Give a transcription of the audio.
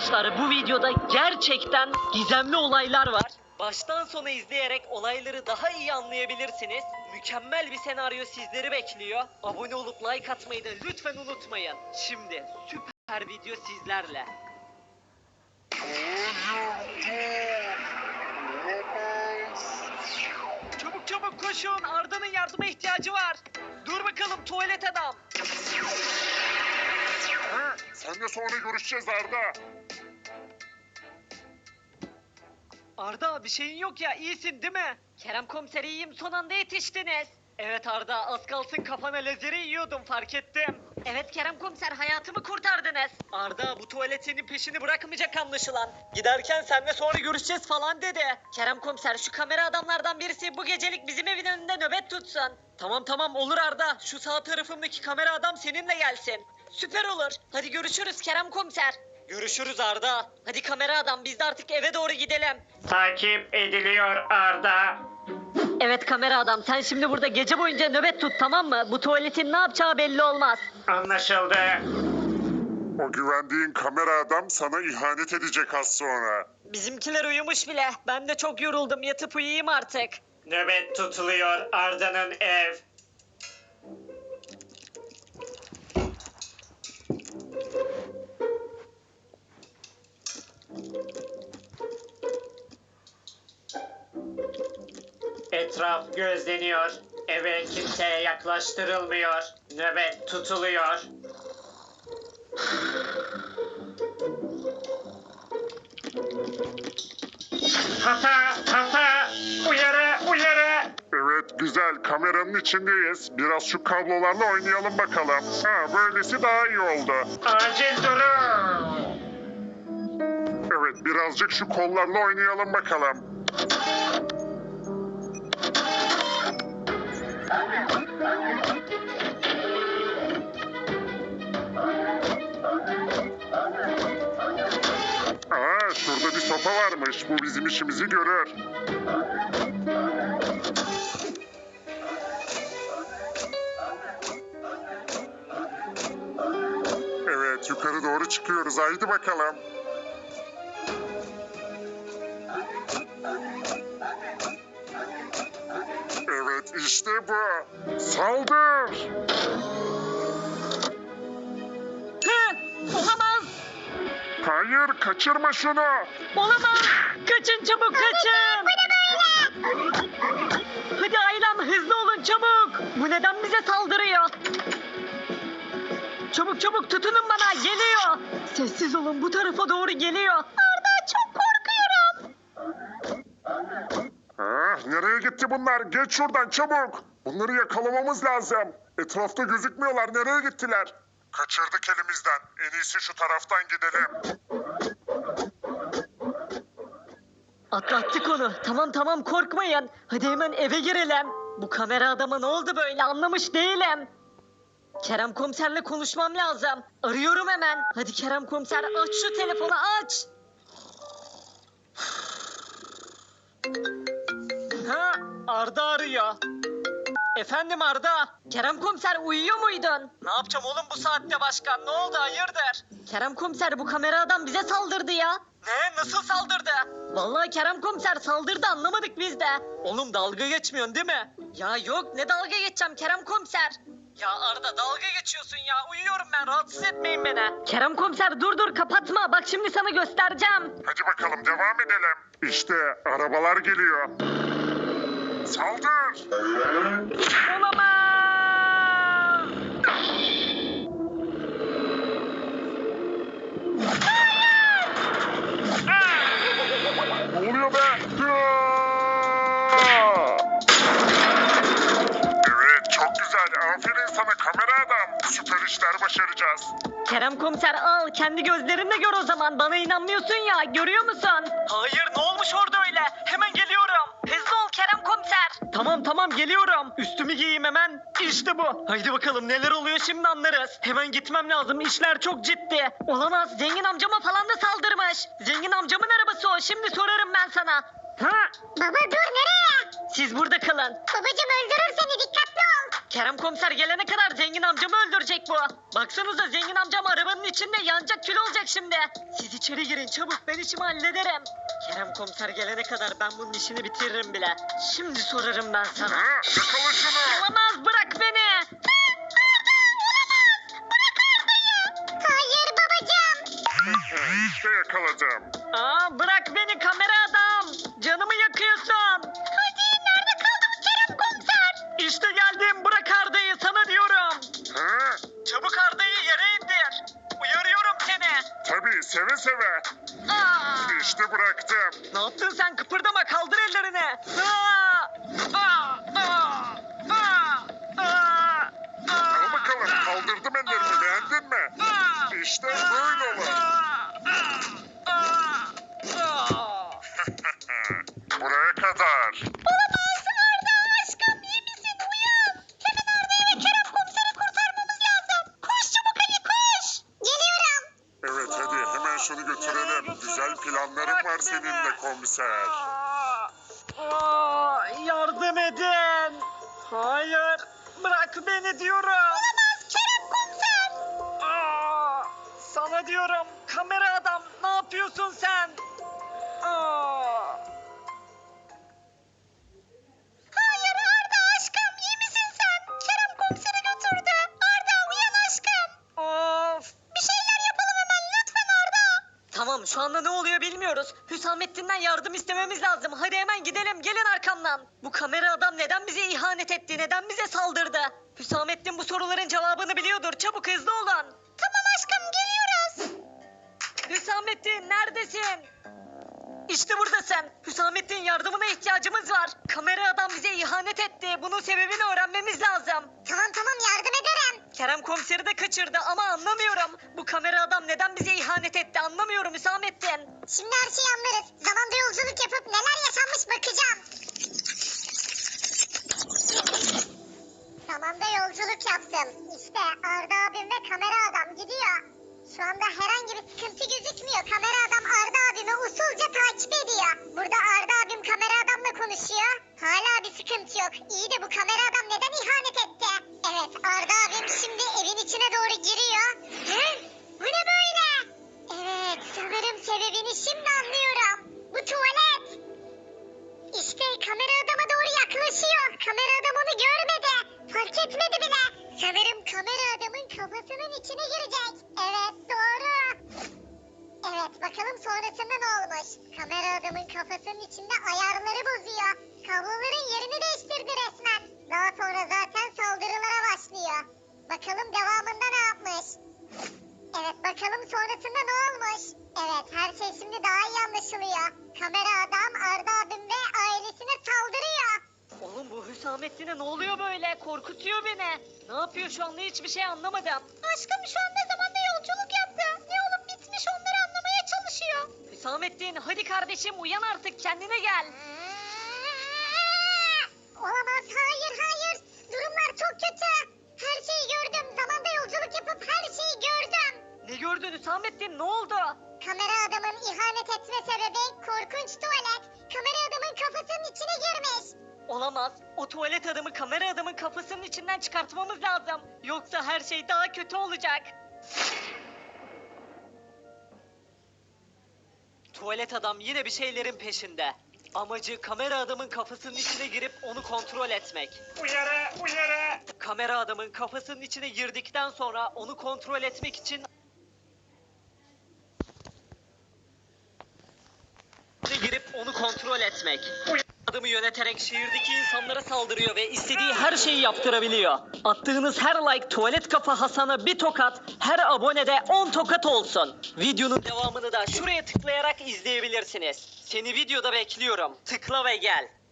Arkadaşlar bu videoda gerçekten gizemli olaylar var. Baştan sona izleyerek olayları daha iyi anlayabilirsiniz. Mükemmel bir senaryo sizleri bekliyor. Abone olup like atmayı da lütfen unutmayın. Şimdi süper video sizlerle. Çabuk çabuk koşun, Arda'nın yardıma ihtiyacı var. Dur bakalım tuvalet adam. Seninle sonra görüşeceğiz Arda. Arda bir şeyin yok ya, iyisin değil mi? Kerem komiser iyiyim, son anda yetiştiniz. Evet Arda, az kalsın kafana lazeri yiyordum, fark ettim. Evet Kerem komiser, hayatımı kurtardınız. Arda bu tuvalet senin peşini bırakmayacak anlaşılan. Giderken seninle sonra görüşeceğiz falan dedi. Kerem komiser şu kamera adamlardan birisi bu gecelik bizim evin önünde nöbet tutsun. Tamam tamam olur Arda, şu sağ tarafımdaki kamera adam seninle gelsin. Süper olur. Hadi görüşürüz Kerem komiser. Görüşürüz Arda. Hadi kamera adam biz de artık eve doğru gidelim. Takip ediliyor Arda. Evet kamera adam sen şimdi burada gece boyunca nöbet tut, tamam mı? Bu tuvaletin ne yapacağı belli olmaz. Anlaşıldı. O güvendiğin kamera adam sana ihanet edecek az sonra. Bizimkiler uyumuş bile. Ben de çok yoruldum. Yatıp uyuyayım artık. Nöbet tutuluyor Arda'nın ev. Etraf gözleniyor. Eve kimseye yaklaştırılmıyor. Nöbet tutuluyor. Hata, uyarı, uyarı. Evet güzel, kameranın içindeyiz. Biraz şu kablolarla oynayalım bakalım. Böylesi daha iyi oldu. Acil durum. Evet birazcık şu kollarla oynayalım bakalım. Şurada bir sopa varmış. Bu bizim işimizi görür. Evet, yukarı doğru çıkıyoruz. Haydi bakalım. Evet, işte bu. Saldır! Olamaz. Hayır, kaçırma şunu. Olamaz. Kaçın çabuk kaçın. Hadi ailem hızlı olun çabuk. Bu neden bize saldırıyor? Çabuk çabuk tutunun bana, geliyor. Sessiz olun, bu tarafa doğru geliyor. Arda çok korkuyorum. Nereye gitti bunlar? Geç şuradan çabuk. Bunları yakalamamız lazım. Etrafta gözükmüyorlar. Nereye gittiler? Kaçırdık elimizden. En iyisi şu taraftan gidelim. Atlattık onu. Tamam tamam korkmayın. Hadi hemen eve girelim. Bu kamera adama ne oldu böyle, anlamış değilim. Kerem komiserle konuşmam lazım. Arıyorum hemen. Hadi Kerem komiser aç şu telefonu aç. Arda arıyor. Efendim Arda. Kerem komiser uyuyor muydun? Ne yapacağım oğlum bu saatte başkan? Ne oldu, hayırdır? Kerem komiser bu kamera adam bize saldırdı ya. Ne? Nasıl saldırdı? Vallahi Kerem komiser saldırdı, anlamadık biz de. Oğlum dalga geçmiyorsun değil mi? Ya yok, ne dalga geçeceğim Kerem komiser? Ya Arda dalga geçiyorsun ya, uyuyorum ben, rahatsız etmeyin beni. Kerem komiser dur kapatma, bak şimdi sana göstereceğim. Hadi bakalım devam edelim. İşte arabalar geliyor. Saldır! Olamaz. Ne oluyor be? Evet çok güzel. Aferin sana kamera adam. Süper işler başaracağız. Kerem komiser al, kendi gözlerinle gör o zaman, bana inanmıyorsun ya, görüyor musun? Hayır, ne olmuş orada öyle? Hemen geliyorum. Hızlı ol Kerem komiser. Tamam geliyorum. Üstümü giyeyim hemen. İşte bu. Haydi bakalım neler oluyor şimdi anlarız. Hemen gitmem lazım, işler çok ciddi. Olamaz, zengin amcama falan da saldırmış. Zengin amcamın arabası o, şimdi sorarım ben sana. Baba dur, nereye? Siz burada kalın. Babacım öldürür seni, dikkatli ol. Kerem komiser gelene kadar zengin amcamı öldürecek bu. Baksanıza zengin amcam arabanın içinde yanacak kül olacak şimdi. Siz içeri girin çabuk ben işimi hallederim. Kerem komiser gelene kadar ben bunun işini bitiririm bile. Şimdi sorarım ben sana. Ha, yakala şunu. Olamaz bırak beni. Hayır babacığım. İşte yakaladım. Aa, bırak beni kamera adam. Canımı yakıyorsun. Hadi nerede kaldı bu Kerem komiser? İşte geldim bırak Arda'yı sana diyorum. Ha, Çabuk Arda'yı yere indir. Uyarıyorum seni. tabii seve seve. Aa! İşte bıraktım. Ne yaptın sen kıpırdama kaldır ellerini. Aa! Aa! Aa! Aa! Aa! Al bakalım kaldırdım ellerimi beğendin mi? İşte böyle olur. Buraya kadar. Olamaz Arda aşkım iyi misin uyan. Hemen Arda'yı ve Kerem komiseri kurtarmamız lazım. Koş çabuk Ali koş. Geliyorum. Evet hadi hemen şunu götürelim. Güzel planlarım var seninle komiser. Aa, yardım edin. Hayır bırak beni diyorum. Olamaz Kerem komiser. Aa, sana diyorum kamera adam ne yapıyorsun sen? Aa. Hayır Arda aşkım iyi misin sen? Kerem komiseri götürdü. Arda uyan aşkım. Of. Bir şeyler yapalım hemen lütfen Arda. Tamam şu anda ne oluyor bilmiyoruz. Hüsamettin'den yardım istememiz lazım. Hadi hemen gidelim gelin arkamdan. Bu kamera adam neden bize ihanet etti? Neden bize saldırdı? Hüsamettin bu soruların cevabını biliyordur. Çabuk hızlı olun. Tamam aşkım geliyoruz. Hüsamettin neredesin? İşte buradasın. Hüsamettin yardımına ihtiyacımız var. Kamera adam bize ihanet etti. Bunun sebebini öğrenmemiz lazım. Tamam yardım ederim. Kerem komiseri de kaçırdı ama anlamıyorum. Bu kamera adam neden bize ihanet etti anlamıyorum Hüsamettin. Şimdi her şeyi anlarız. Zamanda yolculuk yapıp neler yaşanmış bakacağım. Zamanda yolculuk yaptım. İşte Arda abim ve kamera adam gidiyor. Şu anda herhangi bir sıkıntı gözükmüyor. Kamera adam Arda abimi usulca takip ediyor. Burada Arda abim kamera adamla konuşuyor. Hala bir sıkıntı yok. İyi de bu kamera adam neden ihanet etti? Evet Arda abim şimdi evin içine doğru giriyor. Hı? Bu ne böyle? Evet sanırım sebebini şimdi anlıyorum. Bu tuvalet. İşte kamera adama doğru yaklaşıyor. Kamera adam onu görmedi. Fark etmedi bile. Sanırım kamera adamın kafasının içine girecek. Evet doğru. Evet bakalım sonrasında ne olmuş. Kamera adamın kafasının içinde ayarları bozuyor. Kabloların yerini değiştirdi resmen. Daha sonra zaten saldırılara başlıyor. Bakalım devamında ne yapmış. Evet bakalım sonrasında ne olmuş. Evet her şey şimdi daha iyi anlaşılıyor. Kamera adam Arda abim ve ailesine saldırıyor. Oğlum bu Hüsamettin'e ne oluyor böyle? Korkutuyor beni. Ne yapıyor şu anda hiçbir şey anlamadım. Aşkım şu anda zamanda yolculuk yaptı. Ne olup bitmiş onları anlamaya çalışıyor. Hüsamettin hadi kardeşim uyan artık kendine gel. Olamaz hayır. Durumlar çok kötü. Her şeyi gördüm. Zamanda yolculuk yapıp her şeyi gördüm. Ne gördün Hüsamettin ne oldu? Kamera adamın ihanet etme sebebi korkunç tuvalet. Kamera adamın kafasının içine girmiş. Olamaz. O tuvalet adamı kamera adamın kafasının içinden çıkartmamız lazım. Yoksa her şey daha kötü olacak. Tuvalet adam yine bir şeylerin peşinde. Amacı kamera adamın kafasının içine girip onu kontrol etmek. Uyarı. Kamera adamın kafasının içine girdikten sonra onu kontrol etmek için girip onu kontrol etmek. Adamı yöneterek şehirdeki insanlara saldırıyor ve istediği her şeyi yaptırabiliyor. Attığınız her like tuvalet kafa Hasan'a bir tokat, her abonede 10 tokat olsun. Videonun devamını da şuraya tıklayarak izleyebilirsiniz. Seni videoda bekliyorum. Tıkla ve gel.